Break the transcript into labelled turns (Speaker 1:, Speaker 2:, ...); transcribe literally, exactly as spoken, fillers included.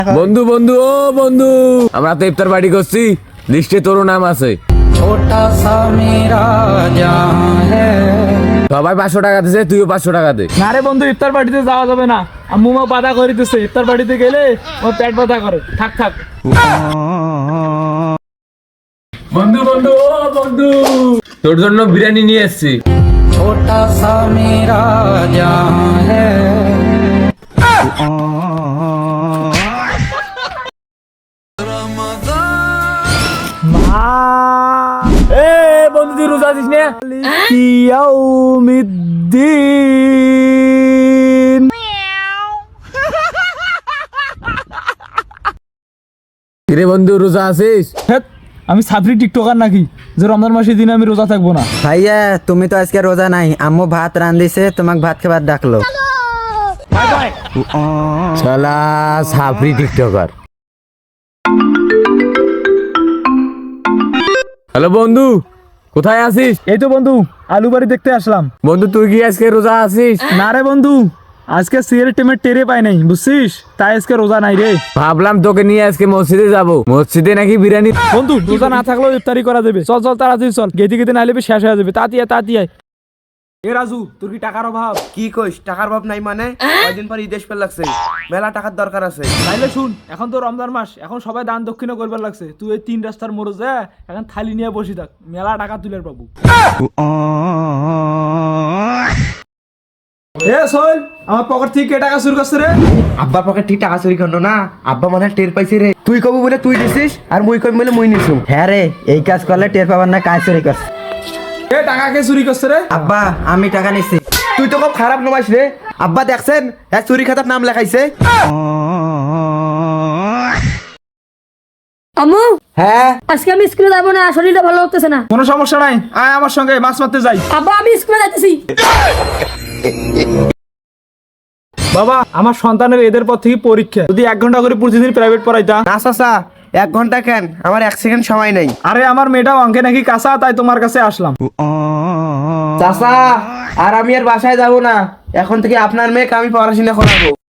Speaker 1: বন্ধু বন্ধু ও বন্ধু, আমরা তো ইফতার পার্টি করছি, লিস্টে তোরও নাম আছে।
Speaker 2: ছোটা সা মেরা জাহাঁ হ্যায়।
Speaker 1: সবাই পাঁচশো টাকা দিছে, তুইও পাঁচশো টাকা দে।
Speaker 3: না রে বন্ধু, ইফতার পার্টিতে যাওয়া যাবে না। আম্মু মা বাধা করে দিতেছে, ইফতার পার্টিতে গেলে ও পেট ব্যথা করে। থাক থাক।
Speaker 1: বন্ধু বন্ধু ও বন্ধু, তোর জন্য বিরিয়ানি নিয়ে এসেছি।
Speaker 2: ছোটা সা মেরা জাহাঁ হ্যায়।
Speaker 1: এ বন্ধু, তুই রোজা আছিস না?
Speaker 3: ইয়াউমিদ্দিন।
Speaker 1: কিরে বন্ধু, রোজা আছিস?
Speaker 3: হেৎ, আমি সাবরি টিকটকার নাকি যে রমজান মাসের দিনে আমি রোজা থাকবো না?
Speaker 4: ভাইয়া তুমি তো আজকে রোজা নাই, আম্মু ভাত রান্ধিছে, তোমাকে ভাত খাবার ডাকলো।
Speaker 3: Bye bye.
Speaker 1: শালা সাফরি টিকটকার। হ্যালো বন্ধু, কোথায় আছিস?
Speaker 3: এই তো বন্ধু, আলু বাড়ি দেখতে আসলাম।
Speaker 1: বন্ধু তুই কি আজকে রোজা আছিস?
Speaker 3: না রে বন্ধু, আজকে সিগারেট টেমের টেরে পাই নাই, বুঝছিস? তাই আজকে রোজা নাই রে।
Speaker 1: ভাবলাম তোকে নিয়ে আজকে মসজিদে যাব, মসজিদে নাকি বিরিয়ানি।
Speaker 3: বন্ধু রোজা না থাকলেও ইফতারি করা যাবে। চল চল তাড়াতাড়ি চল, গেতে গেতে নাইলে শেষ হয়ে যাবে। তাড়াতাড়ি আয়, তাড়াতাড়ি আয়। এ রাজু, তোর কি টাকার অভাব?
Speaker 5: কি কইস, টাকার অভাব নাই মানে? কয়দিন পর ঈদ আসবে লাগছে, মেলা টাকার দরকার আছে।
Speaker 3: তাইলে শুন, এখন তো রমজান মাস, এখন সবাই দান দক্ষিণা করবার লাগছে। তুই এই তিন রাস্তার মোড়ে যা, এখন থালি নিয়ে বসি থাক, মেলা টাকা তুলের পাবো। এ সোহেল, আমার পকেট থেকে কে টাকা চুরি করছে রে?
Speaker 5: আব্বা পকেট ঠিক টাকা চুরি করলো না, আব্বা মনে হয় টের পাইছি রে। তুই কবু বলে তুই দিছিস, আর মুই কবি বলে মুই নিছু।
Speaker 4: হ্যাঁ রে, এই কাজ করলে টের পাবার না কাজ চুরি করছে।
Speaker 3: এ টাকা কে চুরি করছে রে?
Speaker 4: আব্বা আমি টাকা নিচ্ছি।
Speaker 5: তুই তো খুব খারাপ নমাইস রে। আব্বা দেখছেন, হ্যাঁ চুরি খাতার নাম লেখাইছে।
Speaker 6: আম্মু,
Speaker 5: হ্যাঁ
Speaker 6: আজকে আমি স্কুলে যাবো না, শরীরটা ভালো লাগতেছে না।
Speaker 3: কোনো সমস্যা নাই, আয় আমার সঙ্গে মাছ মারতে যাই।
Speaker 6: আব্বা আমি স্কুলে যাইতেছি।
Speaker 3: বাবা, আমার সন্তানের এদের পর থেকে পরীক্ষা, যদি এক ঘন্টা করে প্রতিদিন প্রাইভেট পড়াইতা।
Speaker 5: না চাচা, এক ঘন্টা কেন, আমার এক সেকেন্ড সময় নেই।
Speaker 3: আরে আমার মেয়েটাও অঙ্কে নাকি কাঁচা, তাই তোমার কাছে আসলাম।
Speaker 5: চাচা, আর আমি আর বাসায় যাব না, এখন থেকে আপনার মেয়েকে আমি পড়াশোনা করাবো।